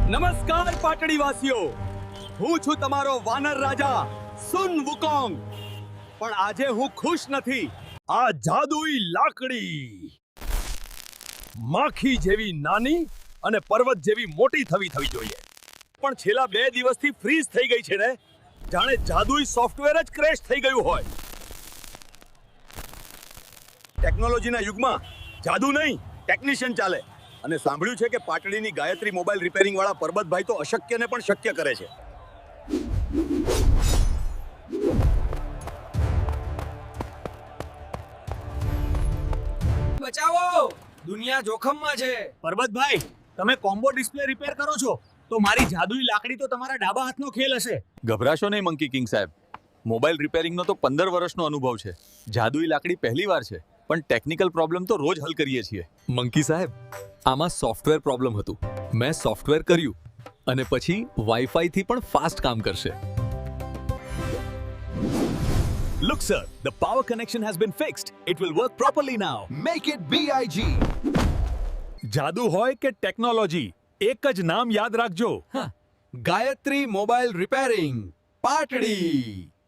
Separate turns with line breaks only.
નમસ્કાર પાટડીવાસીઓ, હું છું તમારો વાનર રાજા સુન વુકોંગ. પણ આજે હું ખુશ નથી. આ જાદુઈ લાકડી માખી જેવી નાની અને પર્વત જેવી મોટી થવી જોઈએ. પણ છેલ્લા 2 દિવસથી ફ્રીઝ થઈ ગઈ છે ને, જાણે જાદુઈ સોફ્ટવેર જ ક્રેશ થઈ ગયું હોય. ટેકનોલોજીના યુગમાં જાદુ નહીં, ટેકનિશિયન ચાલે. અને સાંભળ્યું છે કે પાટડીની ગાયત્રી મોબાઈલ રિપેરિંગ વાળા પરબતભાઈ તો અશક્યને પણ શક્ય કરે છે.
બચાવો, દુનિયા જોખમમાં છે.
પરબતભાઈ, તમે કોમ્બો ડિસ્પ્લે રિપેર કરો છો તો મારી જાદુઈ લાકડી તો તમારા ડાબા હાથનો ખેલ હશે.
ગભરાશો નહીં મંકી કિંગ સાહેબ. મોબાઈલ રિપેરિંગનો તો 15 વર્ષનો અનુભવ છે. જાદુઈ લાકડી પહેલીવાર છે, પણ ટેકનિકલ પ્રોબ્લેમ તો રોજ હલ કરીએ છીએ.
મંકી સાહેબ, આમાં સોફ્ટવેર પ્રોબ્લેમ હતું. મેં સોફ્ટવેર કર્યું અને પછી વાઈફાઈ થી પણ ફાસ્ટ કામ કરશે.
Look sir, the power connection has been fixed. It will work properly now.
Make it BIG.
જાદુ હોય કે ટેકનોલોજી, એક જ નામ યાદ રાખજો.
Gayatri mobile repairing, Patdi.